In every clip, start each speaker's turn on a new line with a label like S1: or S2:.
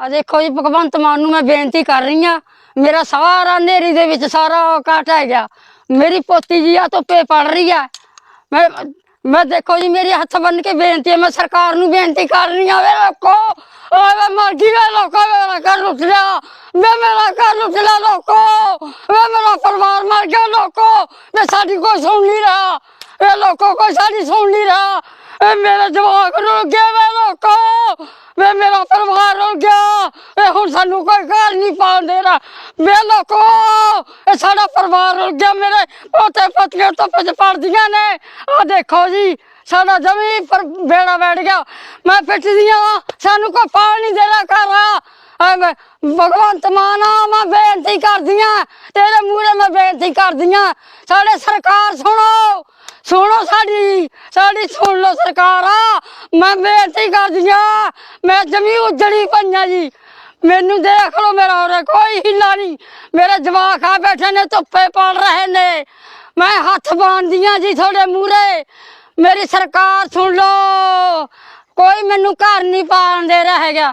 S1: ਆ ਦੇਖੋ ਜੀ ਭਗਵੰਤ ਮਾਨ ਨੂੰ मैं बेनती कर रही हाँ, मेरा सारा नेरी दे विच सारा काट है गया। मेरी पोती जी आ धुप्पे पड़ रही है। मैं देखो जी मेरी हथ बन के बेनती है, मैं सरकार नूं बेनती कर रही हाँ। वे लोको वे मर गई, वे लोको मेरा घर लुट लिया, वे मेरा घर लुट लिया लोको, वे मेरा परिवार मर गया लोको, वे साडी कोई सुन नहीं रहा, वे लोको कोई साडी सुन नहीं रहा, मेरे जवाक रुल गए, वे लोको वे मेरा परिवार रुल गया, हुण सानू कोई घर नहीं पाउण दे रहा, वे लोको साडा परिवार रुल गया, मेरे पोते पोतियां धुप्प च पड़दियां ने। आ देखो जी साडा जमी पर बेड़ा बैठ गया, मैं पिटदी हां, सानू कोई पाल नहीं दे रहा घर। भगवंत मान मैं बेनती करदी हां, तेरे मूहरे मैं बेनती करदी हां, साडे सरकार सुनो सुनो, साडी साडी सुन लो सरकार, मैं बेनती करदी हां, मैं जमी उजड़ी पईयां जी, मैनू देख लो, मेरा और कोई हिला नहीं, मेरे जवाक आ बैठे ने धुप्पे पड़ रहे ने, मैं हथ बांधदी हां जी थोड़े मूहरे, मेरी सरकार सुन लो, कोई मैनू घर नहीं पान दे रहा है।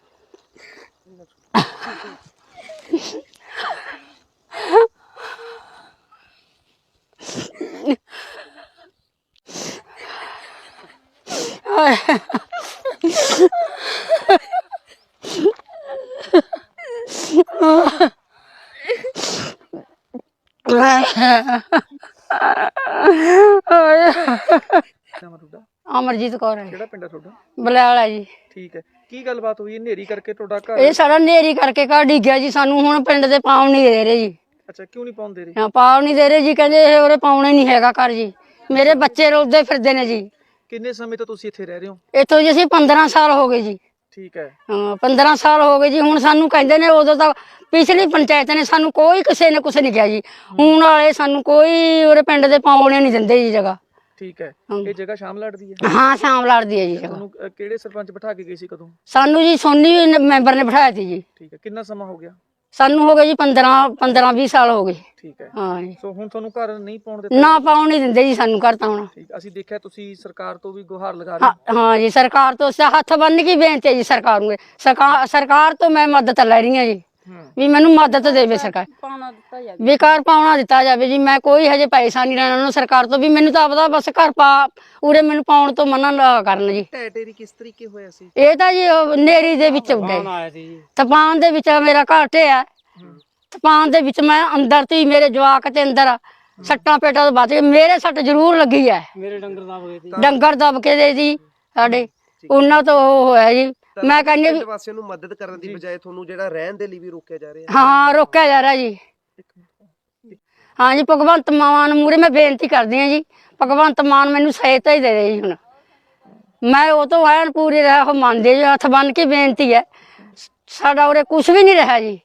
S1: अमरजीत कौर है।
S2: ਕਿਹੜਾ ਪਿੰਡ ਹੈ ਤੁਹਾਡਾ?
S1: बलैल है जी।
S2: ਠੀਕ ਹੈ, ਕੀ ਗੱਲਬਾਤ ਹੋਈ? ਹਨੇਰੀ ਕਰਕੇ ਤੁਹਾਡਾ ਘਰ?
S1: ਇਹ ਸਾਡਾ ਨੇਰੀ ਕਰਕੇ ਘਰ ਡਿੱਗਿਆ ਜੀ, ਸਾਨੂੰ ਹੁਣ ਪਿੰਡ ਦੇ ਪਾਉਣ ਨਹੀਂ ਦੇ ਰਹੇ ਜੀ।
S2: ਅੱਛਾ, ਕਿਉਂ ਨਹੀਂ ਪਾਉਂਦੇ ਰਹੇ?
S1: ਹਾਂ, ਪਾਉਣ ਨਹੀਂ ਦੇ ਰਹੇ ਜੀ, ਕਹਿੰਦੇ ਇਹ ਉਰੇ ਪਾਉਣਾ ਨਹੀਂ ਹੈਗਾ ਘਰ ਜੀ, ਮੇਰੇ ਬੱਚੇ ਰੋਲਦੇ ਫਿਰਦੇ ਨੇ ਜੀ।
S2: ਕਿੰਨੇ ਸਮੇਂ ਤੋਂ ਤੁਸੀਂ ਇੱਥੇ ਰਹਿ ਰਹੇ ਹੋ?
S1: ਇੱਥੋਂ ਜੀ ਅਸੀਂ 15 ਸਾਲ ਹੋ ਗਏ ਜੀ।
S2: ਠੀਕ ਹੈ।
S1: ਹਾਂ, 15 ਸਾਲ ਹੋ ਗਏ ਜੀ। ਹੁਣ ਸਾਨੂੰ ਕਹਿੰਦੇ ਨੇ, ਉਦੋਂ ਤਾਂ ਪਿਛਲੀ ਪੰਚਾਇਤ ਨੇ ਸਾਨੂੰ ਕੋਈ ਕਿਸੇ ਨੇ ਕੁਛ ਨਹੀਂ ਕਿਹਾ ਜੀ, ਹੁਣ ਵਾਲੇ ਸਾਨੂੰ ਕੋਈ ਉਰੇ ਪਿੰਡ ਦੇ ਪਾਉਣੇ ਨਹੀਂ ਦਿੰਦੇ ਜੀ ਜਗ੍ਹਾ।
S2: ਠੀਕ ਹੈ, ਇਹ ਜਗ੍ਹਾ ਸ਼ਾਮ ਲੜਦੀ ਹੈ?
S1: ਹਾਂ, ਸ਼ਾਮ ਲੜਦੀ ਹੈ ਜੀ ਜਗ੍ਹਾ।
S2: ਤੁਹਾਨੂੰ ਕਿਹੜੇ ਸਰਪੰਚ ਬਿਠਾ ਕੇ ਗਏ ਸੀ, ਕਦੋਂ?
S1: ਸਾਨੂੰ ਜੀ ਸੋਨੀ ਮੈਂਬਰ ਨੇ ਬਿਠਾਇਆ ਸੀ ਜੀ।
S2: ਠੀਕ ਹੈ, ਕਿੰਨਾ ਸਮਾਂ ਹੋ ਗਿਆ?
S1: ਸਾਨੂੰ ਹੋ ਗਏ ਜੀ 15-20 ਸਾਲ ਹੋ ਗਏ।
S2: ਠੀਕ ਹੈ।
S1: ਹਾਂ ਜੀ।
S2: ਸੋ ਹੁਣ ਤੁਹਾਨੂੰ ਘਰ ਨਹੀਂ ਪਾਉਣ ਦਿੱਤਾ?
S1: ਨਾ, ਪਾਉਣ ਨਹੀਂ ਦਿੰਦੇ ਜੀ ਸਾਨੂੰ ਘਰ ਤਾਂ ਹੁਣ।
S2: ਠੀਕ, ਅਸੀਂ ਦੇਖਿਆ ਤੁਸੀਂ ਸਰਕਾਰ ਤੋਂ ਵੀ ਗੁਹਾਰ ਲਗਾ ਰਹੇ ਹੋ।
S1: ਹਾਂ ਜੀ, ਸਰਕਾਰ ਤੋਂ ਹੱਥ ਬੰਨ ਕੇ ਬੇਨਤੀ ਹੈ ਜੀ ਸਰਕਾਰ ਨੂੰ। ਸਰਕਾਰ ਤੋਂ ਮੈਂ ਮਦਦ ਲੈ ਰਹੀ ਹਾਂ ਜੀ, ਵੀ ਮੈਨੂੰ ਮਦਦ ਦੇਵੇ ਸਰਕਾਰ, ਵੀ ਘਰ ਪਾਉਣਾ ਦਿੱਤਾ ਜਾਵੇ ਜੀ। ਮੈਂ ਕੋਈ ਹਜੇ ਪੈਸਾ ਨਹੀਂ ਲੈਣਾ ਉਹਨਾਂ ਸਰਕਾਰ ਤੋਂ, ਵੀ ਮੈਨੂੰ ਤਾਂ ਆਪਦਾ ਬਸ ਘਰ ਪਾ ਉਰੇ ਮੈਨੂੰ ਪਾਉਣ ਤੋਂ ਮਨਾ ਨਾ ਕਰਨ ਜੀ।
S2: ਢਹਿ ਕਿਸ ਤਰੀਕੇ ਹੋਇਆ ਸੀ?
S1: ਇਹ ਤਾਂ ਜੀ ਨੇਰੀ ਦੇ ਵਿੱਚ ਉੱਡੇ ਤੂਫਾਨ ਦੇ ਵਿੱਚ ਮੇਰਾ ਘਰ ਢਿਆ, ਤੂਫਾਨ ਦੇ ਵਿੱਚ ਮੈਂ ਅੰਦਰ ਤੀ, ਮੇਰੇ ਜਵਾਕ ਤੇ ਅੰਦਰ ਸੱਟਾਂ ਪੇਟਾਂ ਤੋਂ ਬਚ ਗਏ, ਮੇਰੇ ਸੱਟ ਜ਼ਰੂਰ ਲੱਗੀ ਹੈ,
S2: ਮੇਰੇ ਡੰਗਰ ਦਬ ਗਏ ਸੀ,
S1: ਡੰਗਰ ਦਬ ਕੇ ਦੇ ਜੀ ਸਾਡੇ, ਉਹਨਾਂ ਤੋਂ ਉਹ ਹੋਇਆ ਜੀ। ਮੈਂ ਕਹਿੰਦੀ
S3: ਪਿੰਡ ਵਾਸੀਆਂ ਨੂੰ ਮਦਦ ਕਰਨ ਦੀ ਬਜਾਏ ਤੁਹਾਨੂੰ ਜਿਹੜਾ ਰਹਿਣ ਦੇ ਲਈ ਵੀ ਰੋਕਿਆ ਜਾ ਰਿਹਾ।
S1: ਹਾਂ, ਰੋਕਿਆ ਜਾ ਰਿਹਾ ਜੀ। ਹਾਂ ਜੀ, ਭਗਵੰਤ ਮਾਨ ਮੂਹਰੇ ਮੈਂ ਬੇਨਤੀ ਕਰਦੀ ਹਾਂ ਜੀ, ਭਗਵੰਤ ਮਾਨ ਮੈਨੂੰ ਸਹਾਇਤਾ ਹੀ ਦੇ ਦੇ ਜੀ। ਹੁਣ ਮੈਂ ਉਹ ਤੋਂ ਐਨ ਪੂਰੀ ਉਹ ਮੰਨਦੇ ਜੀ, ਹੱਥ ਬੰਨ ਕੇ ਬੇਨਤੀ ਹੈ, ਸਾਡਾ ਉਰੇ ਕੁਛ ਵੀ ਨਹੀਂ ਰਿਹਾ ਜੀ,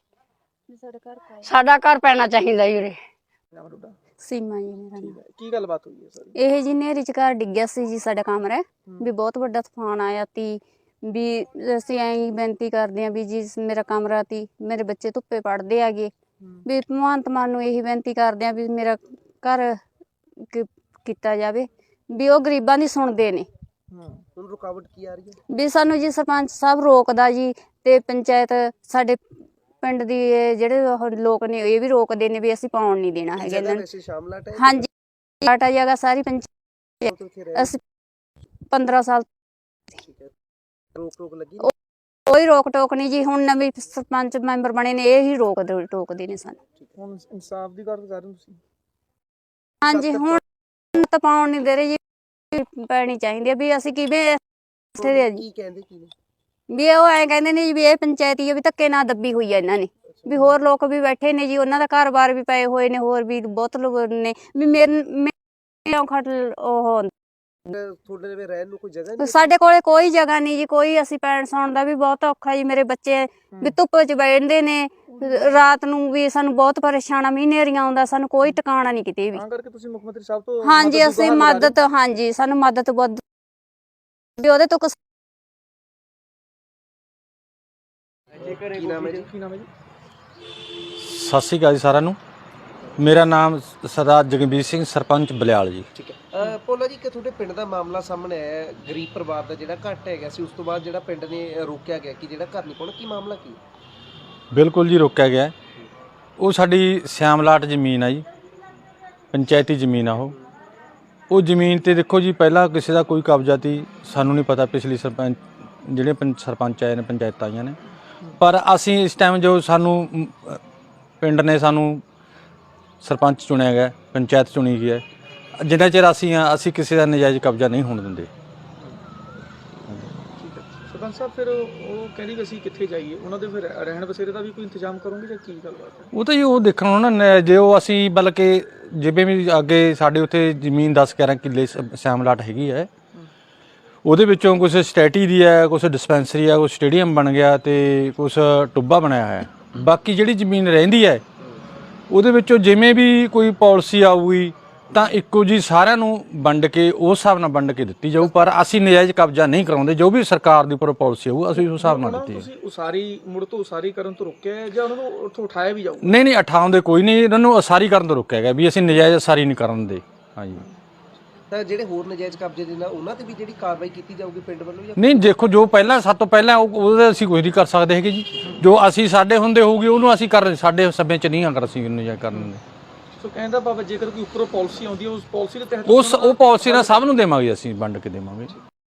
S1: ਸਾਡਾ ਘਰ ਪੈਣਾ ਚਾਹੀਦਾ ਜੀ ਉਰੇ।
S4: ਸੀਮਾ ਜੀ ਮੇਰਾ ਨਾਮ।
S2: ਕੀ ਗੱਲਬਾਤ ਹੋਈ ਹੈ ਸਰ?
S4: ਇਹ ਜੀ ਨਹਿਰੀ ਚ ਘਰ ਡਿੱਗਿਆ ਸੀ ਜੀ ਸਾਡਾ ਕਮਰਾ, ਵੀ ਬਹੁਤ ਵੱਡਾ ਤੂਫਾਨ ਆਇਆ ਤੀ, ਵੀ ਅਸੀਂ ਐਂ ਬੇਨਤੀ ਕਰਦੇ ਹਾਂ ਵੀ ਜੀ ਮੇਰਾ ਕਮਰਾ ਤੀ, ਮੇਰੇ ਬੱਚੇ ਧੁੱਪੇ ਪੜ੍ਹਦੇ ਹੈਗੇ, ਵੀ ਭਗਵੰਤ ਮਾਨ ਨੂੰ ਇਹੀ ਬੇਨਤੀ ਕਰਦੇ ਹਾਂ ਵੀ ਮੇਰਾ ਘਰ ਕੀਤਾ ਜਾਵੇ, ਵੀ ਉਹ ਗਰੀਬਾਂ ਦੀ ਸੁਣਦੇ ਨੇ।
S3: ਹੁਣ ਰੁਕਾਵਟ ਕੀ ਆ ਰਹੀ ਹੈ?
S4: ਵੀ ਸਾਨੂੰ ਜੀ ਸਰਪੰਚ ਸਾਹਿਬ ਰੋਕਦਾ ਜੀ, ਤੇ ਪੰਚਾਇਤ ਸਾਡੇ ਪਿੰਡ ਦੀ ਜਿਹੜੇ ਉਹ ਲੋਕ ਨੇ ਇਹ ਵੀ ਰੋਕਦੇ ਨੇ ਵੀ ਅਸੀਂ ਪਾਉਣ ਨਹੀਂ ਦੇਣਾ ਹੈਗਾ ਇਹਨਾਂ ਨੂੰ।
S3: ਸ਼ਾਮਲਾਟ ਹੈ?
S4: ਹਾਂਜੀ, ਲਾਟਾ ਜਗ੍ਹਾ ਸਾਰੀ ਪੰਚਾਇਤ, ਅਸੀਂ 15 ਸਾਲ।
S3: ਰੋਕ ਲੱਗੀ?
S4: ਕੋਈ ਰੋਕ ਟੋਕ ਨਹੀਂ ਜੀ, ਹੁਣ ਨਵੇਂ ਸਰਪੰਚ ਮੈਂਬਰ ਬਣੇ ਨੇ, ਇਹ ਹੀ ਟੋਕਦੇ ਨੇ ਸਾਨੂੰ।
S2: ਹੁਣ ਇਨਸਾਫ ਦੀ ਗੱਲ ਕਰ ਰਹੇ ਹੋ ਤੁਸੀਂ?
S4: ਹਾਂਜੀ, ਹੁਣ ਤਾਂ ਪਾਉਣ ਨਹੀਂ ਦੇ ਰਹੇ ਜੀ, ਪੈਣੀ ਚਾਹੀਦੀ ਹੈ ਵੀ ਅਸੀਂ ਕਿਵੇਂ
S3: ਕੀ ਕਹਿੰਦੇ ਕੀ ਨੇ?
S4: ਵੀ ਉਹ ਐਂ ਕਹਿੰਦੇ ਨੇ ਜੀ ਵੀ ਇਹ ਪੰਚਾਇਤੀ ਹੈ, ਵੀ ਧੱਕੇ ਨਾਲ ਦੱਬੀ ਹੋਈ ਹੈ ਇਹਨਾਂ ਨੇ, ਵੀ ਹੋਰ ਲੋਕ ਵੀ ਬੈਠੇ ਨੇ ਜੀ, ਉਹਨਾਂ ਦਾ ਘਰ-ਬਾਰ ਵੀ ਪਏ ਹੋਏ ਨੇ, ਹੋਰ ਵੀ ਬਹੁਤ ਲੋਕ ਨੇ, ਵੀ ਮੇਰੇ ਖਟ ਉਹ
S3: ਤੁਹਾਡੇ ਲਈ ਰਹਿਣ ਨੂੰ ਕੋਈ ਜਗ੍ਹਾ ਨਹੀਂ?
S4: ਸਾਡੇ ਕੋਲੇ ਕੋਈ ਜਗ੍ਹਾ ਨਹੀਂ ਜੀ, ਕੋਈ ਅਸੀਂ ਪੈਣ ਸੌਣ ਦਾ ਵੀ ਬਹੁਤ ਔਖਾ ਜੀ, ਮੇਰੇ ਬੱਚੇ ਵੀ ਧੁੱਪ 'ਚ ਬੈਠਦੇ ਨੇ ਰਾਤ ਨੂੰ, ਵੀ ਸਾਨੂੰ ਬਹੁਤ ਪਰੇਸ਼ਾਨ ਆ, ਮੀਂਹ ਹਨੇਰੀਆਂ ਆਉਂਦਾ, ਸਾਨੂੰ ਕੋਈ ਟਿਕਾਣਾ ਨਹੀਂ ਕਿਤੇ ਵੀ।
S2: ਤਾਂ ਕਰਕੇ ਤੁਸੀਂ ਮੁੱਖ ਮੰਤਰੀ ਸਾਹਿਬ ਤੋਂ?
S4: ਹਾਂਜੀ, ਅਸੀਂ ਮਦਦ, ਹਾਂਜੀ ਸਾਨੂੰ ਮਦਦ ਬਹੁਤ ਵੀ ਉਹਦੇ ਤੋਂ।
S2: ਕੀ ਨਾਮ ਹੈ ਜੀ?
S5: ਸਤਿ ਸ਼੍ਰੀ ਅਕਾਲ ਜੀ ਸਾਰਿਆਂ ਨੂੰ। ਮੇਰਾ ਨਾਮ ਸਰਦਾਰ ਜਗਮੀਤ ਸਿੰਘ, ਸਰਪੰਚ ਬਲਿਆਲ ਜੀ।
S2: ਠੀਕ ਹੈ।
S3: ਭੋਲਾ ਜੀ, ਕਿ ਤੁਹਾਡੇ ਪਿੰਡ ਦਾ ਮਾਮਲਾ ਸਾਹਮਣੇ ਆਇਆ ਹੈ, ਗਰੀਬ ਪਰਿਵਾਰ ਦਾ ਜਿਹੜਾ ਘੱਟ ਹੈਗਾ ਸੀ, ਉਸ ਤੋਂ ਬਾਅਦ ਜਿਹੜਾ ਪਿੰਡ ਨੇ ਰੋਕਿਆ ਗਿਆ ਕਿ ਜਿਹੜਾ ਘਰ ਨਹੀਂ ਪਾਉਣਾ, ਕੀ ਮਾਮਲਾ ਕੀ?
S5: ਬਿਲਕੁਲ ਜੀ, ਰੋਕਿਆ ਗਿਆ। ਉਹ ਸਾਡੀ ਸਿਆਮਲਾਟ ਜ਼ਮੀਨ ਆ ਜੀ, ਪੰਚਾਇਤੀ ਜ਼ਮੀਨ ਆ ਉਹ ਜ਼ਮੀਨ ਤੇ ਦੇਖੋ ਜੀ, ਪਹਿਲਾਂ ਕਿਸੇ ਦਾ ਕੋਈ ਕਬਜ਼ਾ ਤੀ, ਸਾਨੂੰ ਨਹੀਂ ਪਤਾ। ਪਿਛਲੀ ਜਿਹੜੇ ਸਰਪੰਚ ਆਏ ਨੇ, ਪੰਚਾਇਤਾਂ ਆਈਆਂ ਨੇ, ਪਰ ਅਸੀਂ ਇਸ ਟਾਈਮ ਜੋ ਸਾਨੂੰ ਪਿੰਡ ਨੇ ਸਾਨੂੰ ਸਰਪੰਚ ਚੁਣਿਆ ਗਿਆ, ਪੰਚਾਇਤ ਚੁਣੀ ਗਈ ਹੈ, ਜਿੰਨਾ ਚਿਰ ਅਸੀਂ ਕਿਸੇ ਦਾ ਨਜਾਇਜ਼ ਕਬਜ਼ਾ ਨਹੀਂ ਹੋਣ ਦਿੰਦੇ।
S2: ਸਰਪੰਚ ਸਾਹਿਬ, ਫਿਰ ਉਹ ਕਹਿੰਦੀ ਵੀ ਅਸੀਂ ਕਿੱਥੇ ਜਾਈਏ, ਉਹਨਾਂ ਦੇ ਫਿਰ ਰਹਿਣ ਬਸੇਰੇ ਦਾ ਵੀ ਕੋਈ ਇੰਤਜ਼ਾਮ ਕਰੋਗੇ ਜਾਂ ਕੀ ਗੱਲਬਾਤ ਹੈ?
S5: ਉਹ ਤਾਂ ਜੀ ਉਹ ਦੇਖਣਾ ਨਾ, ਜੇ ਉਹ ਅਸੀਂ ਬਲਕਿ ਜਿਵੇਂ ਵੀ ਅੱਗੇ ਸਾਡੇ ਉੱਥੇ ਜ਼ਮੀਨ 10-11 ਕਿੱਲੇ ਸਿਆਮਲਾਟ ਹੈਗੀ ਹੈ, ਉਹਦੇ ਵਿੱਚੋਂ ਕੁਛ ਸਟੈਟੀ ਦੀ ਹੈ, ਕੁਛ ਡਿਸਪੈਂਸਰੀ ਹੈ, ਕੁਛ ਸਟੇਡੀਅਮ ਬਣ ਗਿਆ ਤੇ ਕੁਛ ਟੁੱਬਾ ਬਣਾਇਆ ਹੋਇਆ। ਬਾਕੀ ਜਿਹੜੀ ਜ਼ਮੀਨ ਰਹਿੰਦੀ ਹੈ ਉਹਦੇ ਵਿੱਚੋਂ ਜਿਵੇਂ ਵੀ ਕੋਈ ਪਾਲਿਸੀ ਆਊਗੀ ਤਾਂ ਇੱਕੋ ਜੀ ਸਾਰਿਆਂ ਨੂੰ ਵੰਡ ਕੇ ਉਸ ਹਿਸਾਬ ਨਾਲ ਵੰਡ ਕੇ ਦਿੱਤੀ ਜਾਊ, ਪਰ ਅਸੀਂ ਨਜਾਇਜ਼ ਕਬਜ਼ਾ ਨਹੀਂ ਕਰਾਉਂਦੇ। ਜੋ ਵੀ ਸਰਕਾਰ ਦੀ ਉੱਪਰ ਪਾਲਿਸੀ ਆਊ ਅਸੀਂ ਉਸ ਹਿਸਾਬ ਨਾਲ ਦਿੱਤੀ ਹੈ।
S2: ਤੁਸੀਂ ਮੁੜ ਤੋਂ ਉਸਾਰੀ ਕਰਨ ਤੋਂ ਰੋਕਿਆ ਹੈ ਜਾਂ ਉਹਨਾਂ ਨੂੰ ਉੱਥੋਂ ਉਠਾਇਆ ਵੀ ਜਾਊ?
S5: ਨਹੀਂ, ਉਠਾਉਂਦੇ ਕੋਈ ਨਹੀਂ, ਇਹਨਾਂ ਨੂੰ ਉਸਾਰੀ ਕਰਨ ਤੋਂ ਰੋਕਿਆ ਗਿਆ ਵੀ ਅਸੀਂ ਨਜਾਇਜ਼ ਉਸਾਰੀ ਨਹੀਂ ਕਰਨ ਦੇ। ਹਾਂਜੀ,
S3: ਤਾਂ ਜਿਹੜੇ ਹੋਰ ਨਜਾਇਜ਼ ਕਬਜ਼ੇ ਦੇ ਨਾਲ ਉਹਨਾਂ ਤੇ ਵੀ ਜਿਹੜੀ ਕਾਰਵਾਈ ਕੀਤੀ ਜਾਊਗੀ ਪਿੰਡ ਵੱਲੋਂ ਜਾਂ?
S5: ਨਹੀਂ, ਦੇਖੋ ਜੋ ਪਹਿਲਾਂ ਸਭ ਤੋਂ ਪਹਿਲਾਂ ਉਹਦੇ ਅਸੀਂ ਕੁਝ ਨਹੀਂ ਕਰ ਸਕਦੇ ਹੈਗੇ ਜੀ। ਜੋ ਅਸੀਂ ਸਾਡੇ ਹੁੰਦੇ ਹੋਊਗੀ ਉਹਨੂੰ ਅਸੀਂ ਕਰ, ਸਾਡੇ ਸਮੇਂ 'ਚ ਨਹੀਂ ਅਗਰ ਅਸੀਂ ਨਜਾਇਜ਼ ਕਰਨ ਦੇ।
S2: ਸੋ ਕਹਿੰਦਾ ਬਾਬਾ, ਜੇਕਰ ਕੋਈ ਉੱਪਰੋਂ ਪਾਲਿਸੀ ਆਉਂਦੀ ਹੈ ਉਸ ਪਾਲਿਸੀ ਦੇ ਤਹਿਤ
S5: ਉਹ ਪਾਲਿਸੀ ਨਾਲ ਸਭ ਨੂੰ ਦੇਵਾਂਗੇ, ਅਸੀਂ ਵੰਡ ਕੇ ਦੇਵਾਂਗੇ।